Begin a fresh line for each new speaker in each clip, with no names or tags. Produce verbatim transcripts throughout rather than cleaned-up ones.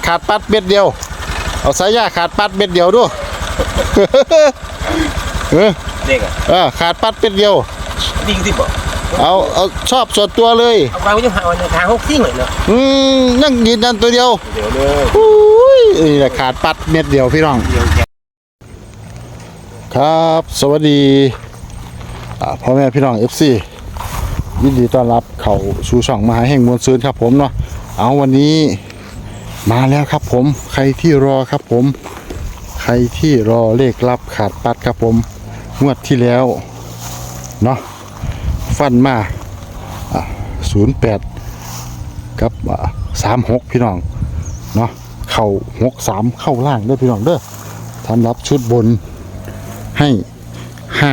ขาดปัดเม็ดเดียวเอาสายยาขาดปัดเม็ดเดียวดูเออ
เด็กอ่ะ
เออขาดปัดเม็ดเดียว
ดิ้งที่บอก
เอาเอาชอบส่วนตัวเลย
เอาไปจะหาวันทางหกซิ่งเลยเนาะ
อืมนั่งยืนยันตัวเดียว
เดี๋ยวเลย
อุ้ยนี่แหละขาดปัดเม็ดเดียวพี่น้องครับสวัสดีพ่อแม่พี่น้อง เอฟ ซี ยินดีต้อนรับเข้าสู่ช่องมหาแห่งมวลซืนครับผมเนาะเอาวันนี้มาแล้วครับผมใครที่รอครับผมใครที่รอเลขลับขาดปัดครับผมงวดที่แล้วเนาะฟันมาศูนย์แปดกับสามหกพี่น้องเนาะเข้าหกสามเข้าล่างด้วยพี่น้องเด้อทำรับชุดบนให้ห้า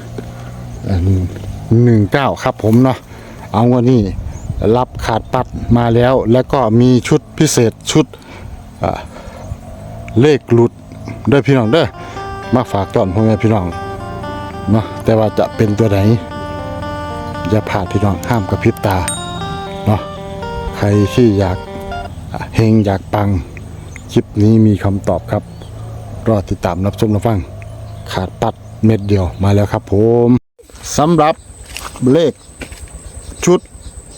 หนึ่งเก้าครับผมเนาะเอาวันนี้รับขาดปัดมาแล้วแล้วก็มีชุดพิเศษชุดเลขหลุดด้วยพี่น้องเด้อมาฝากตอนพ่อแม่พี่น้องเนาะแต่ว่าจะเป็นตัวไหนอย่าพลาดพี่น้องห้ามกระพริบตาเนาะใครที่อยากเฮงอยากปังคลิปนี้มีคำตอบครับรอติดตามรับชมรับฟังขาดปัดเม็ดเดียวมาแล้วครับผมสำหรับเลขชุด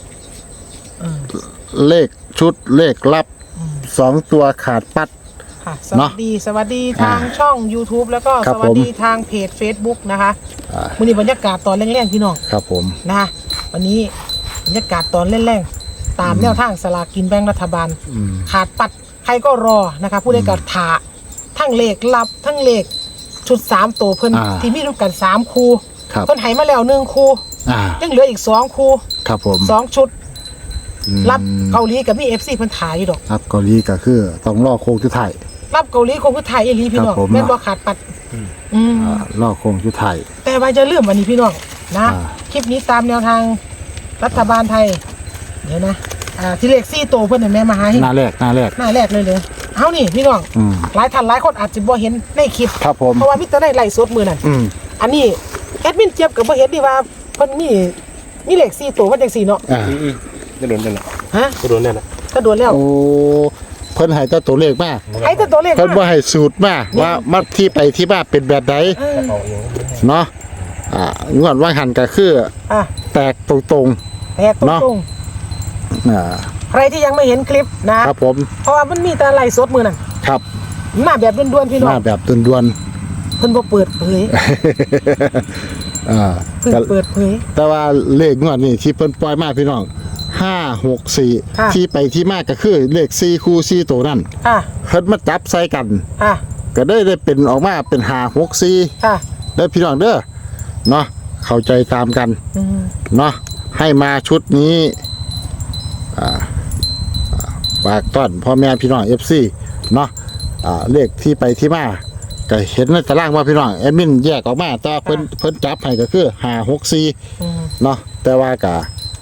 เลขชุดเลขลับสองตัวขาดปัด
ค่ะสวัสดีสวัสดีทางช่อง YouTube แล้วก็สวัสดีทางเพจ Facebook นะคะวันนี้บรรยากาศตอนแรกๆพี่น้อง
ครับผม
นะคะวันนี้บรรยากาศตอนแรกๆตามแนวทางสลากกินแบ่งรัฐบาลขาดปัดใครก็รอนะคะผู้ใดก็ถาทั้งเลขลับทั้งเลขชุดสามตัวเพิ่นที่มีรูปกันสามคู่เพิ่นให้มาแล้วหนึ่งคู่ยังเหลืออีกสองคู่
ครับผม
สองชุดรับเกาหลีกับมี เอฟ ซี เพิ่นถ่ายอยู่ดอก
รับเกาหลีก็คือต้องรอโค้งสุดท้าย
รับเกาหลีคงคือถ่ายอีหลีพี่น้องแม่นบ่ขาดปัด
อืมรอโค้งสุดท้าย
แต่ว่าจะลืมวันนี้พี่น้องนะคลิปนี้ตามแนวทางรัฐบาลไทยเดี๋ยวนะอ่าที่เลขสี่โตเพิ่นให้แม่มาหาให้
หน้าแรกหน้าแรก
หน้าแรกเลยเลยเฮานี่พี่น้องหลายท่านหลายคนอาจจะบ่เห็นในคลิป
ครับผม
เพราะว่ามีแต่ในไลฟ์สดมื้อนั้นอันนี้แอดมินเจี๊ยบก็บ่เห็นดิว่าเพิ่นมีมีเลขสี่โตมันจังซี่เนาะ
อ่าจะโดนได้ล่ะ
ฮะ
จะโดนได้ล่ะ
ก็โดนแล้ว
โอ้เพิ่นให้แต่ตัวเลขมา
ให้แต่ตัวเลข
เพิ่นบ่ให้สูตรมาว่ามาที่ไปที่มาเป็นแบบใดเนาะอ่างวดว่าหันก็คืออ่ะแตกตรง
ๆแตกตรง
ๆอ่า
ใครที่ยังไม่เห็นคลิปนะครับ
ผม
เพราะว่ามันมีแต่ไลฟ์สดมื้อนั้น
ครับ
มาแบบด่วนๆพี่น้อง
มาแบบด่วน
ๆเพิ่นบ่เปิดเผย
อ่า
เพิ่นเปิดเผย
แต่ว่าเลขงวดนี้ที่เพิ่นปล่อยมาพี่น้องห้า หก สี่ที่ไปที่มาก็คือเลขสี่คู่สี่ตัวนั่น
ค่ะ
เพิ่นมาจับใส่กัน
ค่ะ
ก็ได้ได้เป็นออกมาเป็นห้า หก สี่
ค่ะ
ได้พี่น้องเด้อเนาะเข้าใจตามกันเนาะให้มาชุดนี้อ่าฝากต้อนพ่อแม่พี่น้อง เอฟ ซี เนาะอ่าเลขที่ไปที่มาก็เห็นในตารางว่าพี่น้องแอดมินแยกออกมาแต่เพิ่นเพิ่นจับให้ก็คือห้า หก สี่เนาะแต่ว่าก็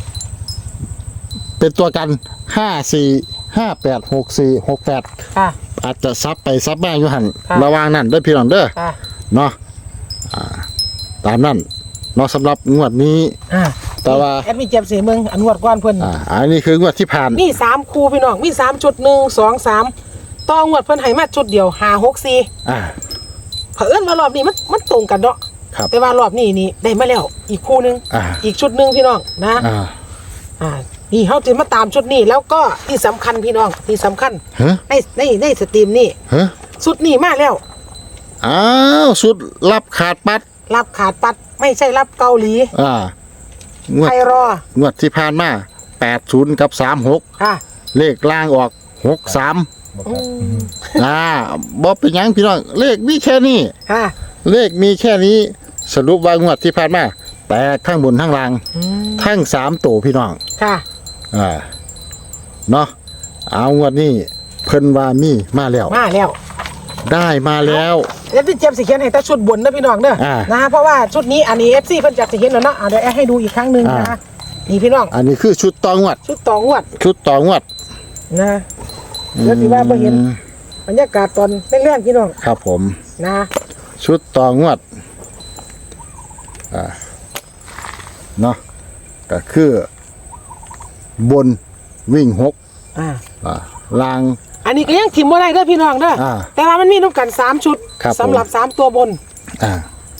เป็นตัวกันห้า สี่ ห้า แปด หก สี่ หก แปดค่ะอาจจะซับไปซับมาอยู่หั่นระวังนั่นเด้อพี่น้องเด้อเนาะอ่าตามนั้นเนาะสำหรับงวดนี้
อ่า
แต่ว่า
แอดมินเจ็บสีเมืองอันงวดก่อนเพิ่น
อ่าอันนี้คืองวดที่ผ่าน
มีสามคู่พี่น้องมีสามจุดหนึ่ง สอง สามต่องวดเพิ่นให้มาจุดเดียวห้า หก สี่
อ่า
เผอิญว่ารอบนี้มันมันตรงกันเนาะ
ครับ
แต่ว่ารอบนี้นี่ได้มาแล้วอีกคู่นึง
อ่า
อีกชุดนึงพี่น้องนะ
อ่า
อ่านี่เฮาจะมาตามชุดนี้แล้วก็ที่สำคัญพี่น้องที่สำคัญในในในสตรีมนี่ชุดนี้มาแล้ว
อ้าวชุดรับขาดปัด
รับขาดปัดไม่ใช่รับเกาหลี
อ่า
ใครรอง
วดที่ผ่านมาแปดศูนย์กับสามหก
ค่ะ
เลขล่างออกหกสามอ่าบ่เป็นหยังพี่น้องเลขมีแค่นี้
ค่ะ
เลขมีแค่นี้สรุปว่างวดที่ผ่านมาแตกทั้งบนทั้งล่างทั้งสามตัวพี่น้อง
ค่ะ
อ่าเนาะเอางวดนี้เพิ่นว่ามีมาแล้ว
มาแล้ว
ได้มาแล้ว
เดี๋ยวพี่เจี๊ยบสิเขียนให้แต่ชุดบนนะพี่น้องเด้อนะเพราะว่าชุดนี้อันนี้ เอฟ ซี เพิ่นจะสิเห็นแล้วเนาะเดี๋ยวให้ดูอีกครั้งนึงนะนี่พี่น้อง
อันนี้คือชุดต่องวด
ชุดต่องวด
ชุดต่องวด
นะเดี๋ยวสิว่าบ่เห็นบรรยากาศตอนแรกๆพี่น้อง
ครับผม
นะ
ชุดต่องวดอ่าเนาะก็คือบนวิ่งหก
อ่า
อ่าล่าง
อันนี้ก็ยังถิ่มบ่ได้เด้อพี่น้องเด้ออา แต่ว่ามันมีน้ำกันสามชุด
ครับผม
สำหรับสามตัวบน
อ่าร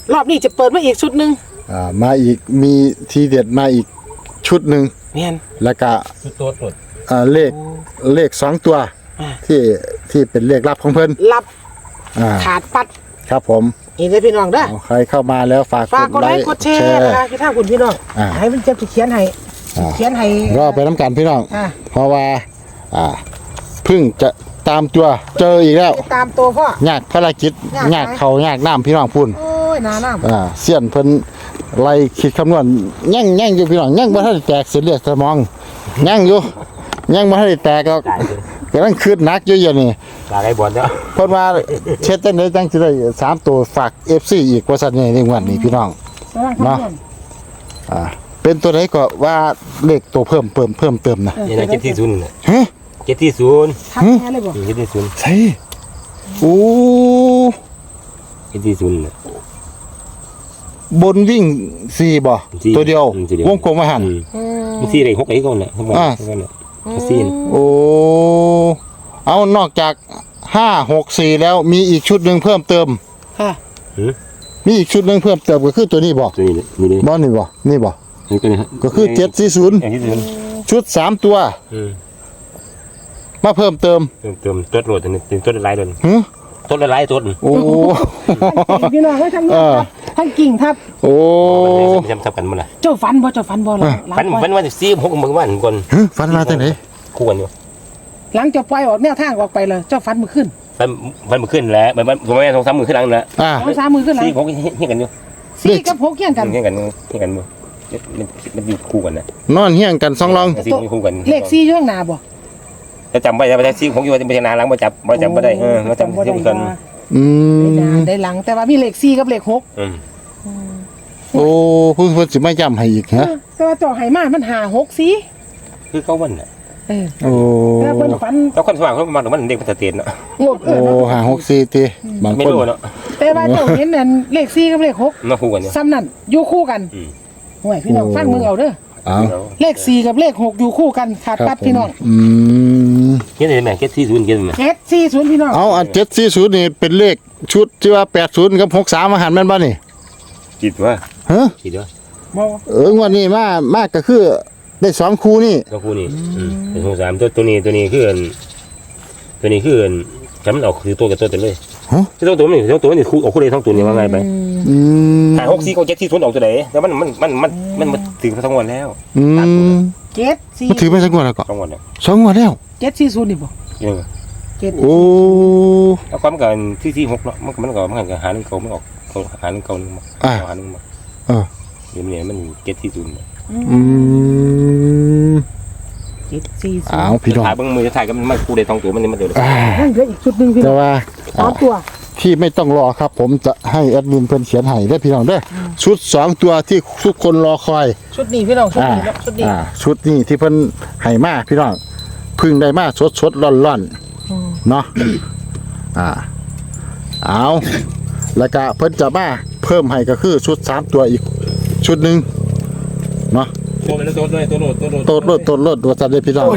อบนี้จะเปิดมาอีกชุดหนึง
อ่ามาอีกมีทีเด็ดมาอีกชุดหนึ่ง
แม่น
แล้วก็
ชุดตัวตรวจ
อ่าเลขเลขสองตัว
อ่า
ที่ที่เป็นเลขลับของเพิ่น
รับ
อ่า
ขาดปัด
ครับผม
นี่เด้อพี่น้องเด้อ
เอาใครเข้ามาแล้วฝาก
ฝากกดไลค์กดแชร์นะคะพี่ท่านคุณพี่น้อง
อ่า
ให้มันเจ็บจะเขียนให้
อ่า
เขียนให้
รอไปน้ำกันพี่น้อง
อ่า
เพราะว่าอ่าเพิ่งจะตามตัวเจออีกแล้ว
ติดตามตัวพ่อย
ากภารกิจ
ยากไหม
ยากเขายากน้ำพี่น้องพุ่น
โอ้ยหนาหน้า
อ่าเสี้ยนเพิ่นไล่คิดคำนวณยั่งยั่งอยู่พี่น้องยั่งบ่ทันได้แตกเส้นเลือดสมองยั่งอยู่ยั่งบ่ทันได้แตกก็กำลังคืดหนักอยู่อย่างนี้
ลาไอ้บอลเนาะ
เพิ่นว่าเช็ดจังได๋จังสิได้สามตัวฝาก เอฟ ซี อีกว่าซั่นนี่ในงวดนี้พี่น้อง
ระวังคำนวณ
อ่าเป็นตัวไหนก็ว่าเลขตัวเพิ่มเพิ่มเพิ่มเติมนะ
นี่นะเจ็ดที่ศูนย์น่ะ
ฮะ
เจ็ดที่ศูนย์
ทักแค่เลยบ่
เจ็ดที่ศูนย์
ใช่โอ้
เจ็ดที่ศูนย์น่ะ
บนวิ่งสี่บ่
สี่
ตัวเดียว
อืมตัวเดียว
วงกลมมาหัน
อืม
อืม
มันสี่เลยหกไอ้ก้อนน่ะทั้งหมด
อ่า
ทั้งหมดน่ะสี่น่ะ
โอ้เอานอกจากห้าหกสี่แล้วมีอีกชุดหนึ่งเพิ่มเติม
ค่ะ
หือ
มีอีกชุดหนึ่งเพิ่มเติมก็คือตัวนี้บ่
ตัวนี้เลยนี่เลย
บ่นี่บ่นี่บ่
นี่ก็นี่ฮะ
ก็คือเจ็ดสี่ศูนย์
เจ็ดที่ศูนย์
ชุดสามตัว
อืม
มาเพิ่มเติม
เติมเติมตัวโหลดตัวนี้ตัวละลายตัว
หึ
ตัวละลายตัว
โอ้
พี่น้องให้ทั้งนี้ครับทั้งกิ่งทับ
โอ้
จำทับกันมั้งล่ะ
เจ้าฟันบ่เจ้าฟันบ่หลังหลัง
ฟัน
ปล่อย
ฟันวันสี่หกเมื่อวันก่อน
ฮะฟันมาจากไหน
คู่กันอยู่
หลังจะปล่อยออกแนวทางออกไปเลยเจ้าฟันมือขึ้น
ฟันฟันมือขึ้นแล้วมันมันผมไม่สองสามมือขึ้นหลังแล้ว
อ่า
สองสามมือขึ้นหลัง
สี่หกเฮี้ยกันอยู่
สี่กับหกเกี่ยงกัน
เฮี้ยกันเฮี้ยกันมือมันมันอยู่คู่กันนะ
นอนเฮี้ยงกันสองรอง
สี่คู่กัน
เลขสี่อยู่ข้างหน้าบ่
จะจำไว้จะไปแท็กซี่ผมอยู่ว่าเป็นนานหลังมาจับมาจำไม่ได้เออมาจำที่กัน
อื
ได้หน้าม ได้หลังแต่ว่ามีเลขสี่กับเลขหก
อืม
โอ้เพิ่งเพิ่นสิมาย้ำให้อีกฮะ
แต่ว่าเจ้าไหมามันหาหกสี่
คือเขาวันน่ะ
เออ
โอ้
แต่เพิ่นฟัน
แล้วคนสมัครเขามาถึงมันเด็กมันเตียนเนาะ
งบเอ
โอ้
อ
หาหกสี่ตีบาง
ไม่
คน
รู้เนาะ
แต่ว่าเจ้าเห็นนั่นเลขสี่กับเลขหก
มาคู่กันอยู่
ซ้ำนั่นอยู่คู่กัน
อืม
ห่วยพี่น้องฟังมึงเอาเด้อ
อ้าว
เลขสี่กับเลขหกอยู่คู่กันขาด
ค
ปั
รั
ด
บผม
พี่น้อง
อืม
เฮ็ดได้ไหมเฮ็ดที่ศูนย์เฮ็ดได้ไหม
เจ็ดสี่ศูนย์พี่น้อง
เอาอันเจ็ดสี่ศูนย์นี่เป็นเลขชุดที่ว่าแปดศูนย์กับหกสามมาหันแม่นบ่นี่
คิดว่า
ฮะ
คิดว่า
บ่
เออวันนี้มา มากก็คือได้สองคู่นี่
ต้องคู่นี่อืมเป็นสองสามตัวตัวนี้ตัวนี้คือตัวนี้คือจำมันออกคือตัวกับตัวเต็มเลย
ฮะ
ที่ตัวตัวนี่ตัวตัวนี่คู่ออกคู่เลยทั้งตัวนี่ว่าไงไป
อืม
หาหกสี่ก็เจ็ดที่ศูนย์ออกตัวไหนแต่มันมันมันมันมันมันถึงทั้งวันแล้ว
อืม
เจ็ดสี่
มันถือไปสักงวดแล้วก็
ทั้งวันแล้ว
สองงวดแล้ว
เจ็ดสี่ศูนย์นี่บ่
ยังไง
เจ็ด
โอ้
แล้วความกันที่ที่หกเนาะมันมันก็มันก็หาหนึ่งเก่าไม่ออกเขาหาหนึ่งเก่าหนึ่งมา
อ่า
หาหนึ่งมา
เออ
เดี๋ยวนี้มันเจ็ดที่ศูนย์
อืม
เจ็ดสี่ศูน
อ้าว
ย์
พี่น้อง
ถ่ายเบิ้งมือจะถ่ายกันมันคู่ได้ท้องตัวมันนี่มันเดือด
อ่า
นั่นเหลืออีกชุดหนึ่งพี่น้
แต่
อง
ว่า
สามตัว
ที่ไม่ต้องรอครับ ผมจะให้แอดมินเพิ่นเขียนให้ได้อพี่น้องเด้ออชุดสองตัวที่ทุกคนรอคอย
ชุดนี้พี่น้องชุด
อ่า
นี้เนาะชุดนี้
อ่าชุดนี้ที่เพิ่นให้มาพี่น้องเพึ่งได้มาสดสดร้อนร้อน
อืม
ๆเนาะอ่าเอาแล้วก็เพิ่นจะมาเพิ่มให้ก็คือชุดสามตัวอีกชุดหนึ่งเนาะ
ตัวเป็นตัวด้วยตัวโหลดตัวโหลด
โตดรถโตดรถตัวจัดได้พี่น้อง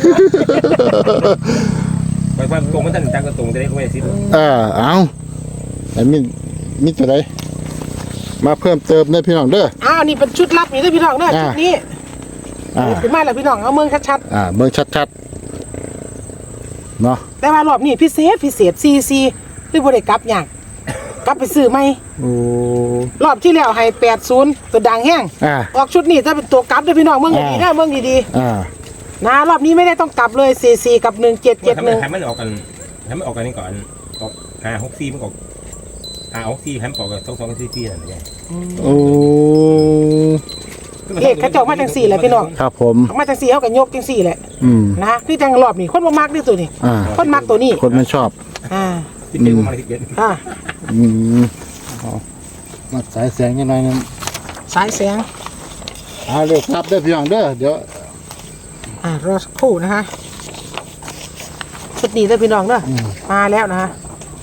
ไปว่าตรงมันท่านจังก็ตรงจะได้ก็ไม่สิ้น
เออเอาไอ้มิมิตัวใดมาเพิ่มเติมได้อพี่น้องเด้อ
อ้าวนี่เป็นชุดลับนี่เด้อพี่น้องเด้อ
อ่า
ชุดนี้
อ่า
ขึ้นมาแล้วพี่น้องเอาเมืองชัด
อ่าเบิ่งชัดๆเนาะ
ๆแต่ว่ารอบนี้พิเศษพิเศษซีซีคือบ่ได้กลับหยังกลับไปซื้อใหม่
โอ้
รอบที่แล้วให้แปดศูนย์ตัวดังแห้ง
อ่า
ออกชุดนี้ถ้าเป็นตัวกลับเด้อพี่น้องเมืองดีๆนะเมืองดี
อ่า
ๆนะรอบนี้ไม่ได้ต้องกลับเลยซีซีกับหนึ่งเจ็ดเจ็ด
ทำ
หนึ่ง
ให้มันออกกันให้มันออกกันนี่ก่อนออกหาหกสี่มันออกหาหกสี่ให้มันออกกันสองสองสี่สี่นั่นแหละ
โอ้
เลขกระจกมาจังสี่แหละพี่น้อง
ครับผม
ออกมาจังสี่เขาก็ยกจังสี่แหละ
อืม
นะคือจังรอบนี้คนบ่มักนี่ตัวนี้
อ่า
คนมักตัวนี้
คนไม่ชอบ
อ่า
ที่เป็นมาที่เกิด
อ่า
อืมเอามาสายแสงยังไงนึง
สายแสง
เอาเร็วครับเด้อพี่น้องเด้อเดี๋ยว
อ่ารอสักครู่นะฮะชุดนี้เด้อพี่น้องเด้ออมาแล้วนะฮะ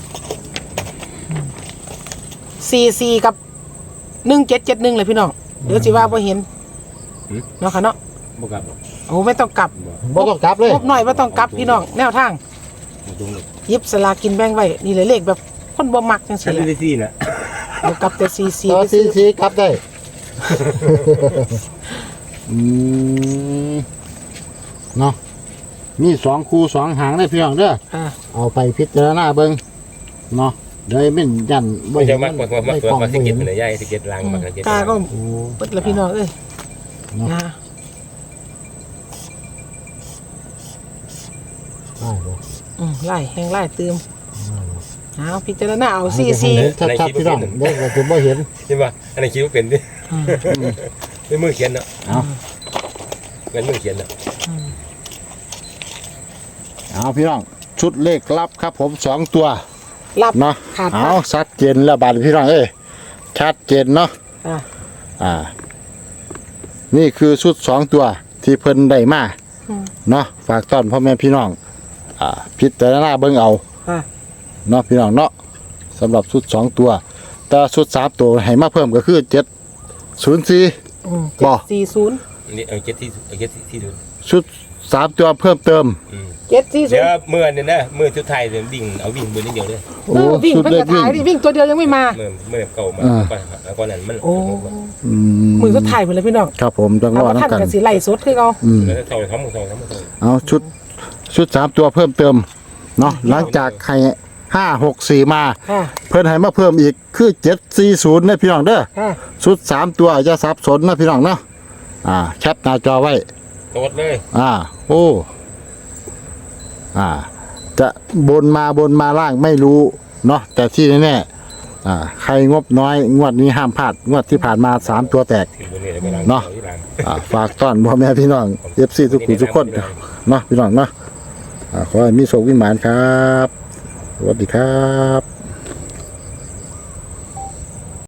สี่สี่กับหนึ่งเจ็ดเจ็ดหนึ่งเลยพี่น้องเดี๋ยวสิว่าพอเห็นเนาะค่ะเนาะ
บุกกับ
โอ้ไม่ต้องกลับ
บ่ต้องกลับเลย
พบหน่อยว่าต้องกลับพี่น้องแนวทาง
ตรงเลย
หยิบสลากกินแบ่งไว้นี่เลยเลขแบบคนบ่มักจัง
ฉัน
ซี่แห
ไม่
ละ
ได้ซีน่ะ
เดี๋ยวกลับแต่ซีซี
ต่อ
ไป
ซี
ซื้อ
ซีกลับได้ อืมเนาะมีสองคู่สองหางได้พี่น้องเด้อ
อ่า
เอาไปพิจารณาเบิ่งเนาะเดี๋ยวมันยัน
ไม่
เห็
ใช่
น
มากกว่า
ไม่
มากก
กล้อง
ว่า
ไม่
สิเก็
เห็
ต
น
เป็นใหญ่สิเก็ตลังมากสิเก็ต
กาก็
โอ้
เปิดละพี่น้องเอ้ย
เนาะ
นะ
ได้บ่
อืมไล่แห้งไล่ตืมเอาพิจารณาเอาซีซี
เห็นชัดๆพี่น้องเด็กก็จะบ่เห็น
ใช่ป่ะอันนี้คิดว่าเป็นดิเป็นมือเขียนเนาะ
เอา
เป็นมือเขียนเนาะ
เอาพี่น้องชุดเลขลับครับผมสองตัว
รับ
เนาะ
ขาด
เอาชัดเจนแล้วบาดพี่น้องเอ้ยชัดเจนเนาะ
อ่า
อ่า นี่คือชุดสองตัวที่เพิ่นได้มา
อืม
เนาะฝากต้อนพ่อแม่พี่น้อง อ่า พิจารณาเบิ่งเอา
อ่า
เนาะพี่น้องเนาะสำหรับชุดสองตัว แต่ชุดสามตัวให้มาเพิ่มก็คือเจ็ดศูนย์สี่
อืม
บ่
สี่ศูนย์
อันนี้เอาเจ็ดที่เอาเจ็ดที่ดู
ชุดสามตัวเพิ่มเติม
เจ็ดสี่ศู
เดี๋
น
ยว
ย์
เมื่อเนี่ยนะเมื่อชุดไทยเนี่ยวิ่งเอาวิ่งบนนิดเดียวเลย
โอ้
เออวิ่ง
ชุด
เพิ่ง
เล
จะ
ขวิ่ง
ถ่ายดิวิ่งตัวเดียวยังไม่มา
เมื่อเมื่อเก่ามา
อ่า
ก่อนแล้วก็นั้นมัน
โอ้
อืม
มือสุดท้ายหมดเลยพี่น้อง
ครับผมจังร
เอา
อ
ว่าท่าน
น้ำกัน
กันสีไล่สดคือเขา
อืม
แล้วเท่าทั้งหมดเท่าทั้งหมดเท่า
เอาชุดชุดสามตัวเพิ่มเติมเนาะหลังจากให้ห้าหกสี่มา
ค่ะ
เพิ่นให้มาเพิ่มอีกคือเจ็ดสี่ศูนย์นะพี่น้องเด้อ
ค่ะ
ชุดสามตัวอย่าสับสนนะพี่น้องเนาะอ่าแคปหน้าจอไว้
โตดเลย
อ่า โอ้ อ่า จะบนมาบนมาล่างไม่รู้เนาะแต่ที่แน่ๆอ่า ใครงบน้อยงวดนี้ห้ามพลาดงวดที่ผ่านมาสามตัวแตก
ถึงบนนี้แล้วไปล้าง
เนาะ
ที่ล้าง
อ่าฝากต้อนพ่อแม่พี่น้องเอฟซีทุกคนทุกคนเนาะพี่น้องเนาะอ่าขอให้มีโชควิมานครับ สวัสดีครับ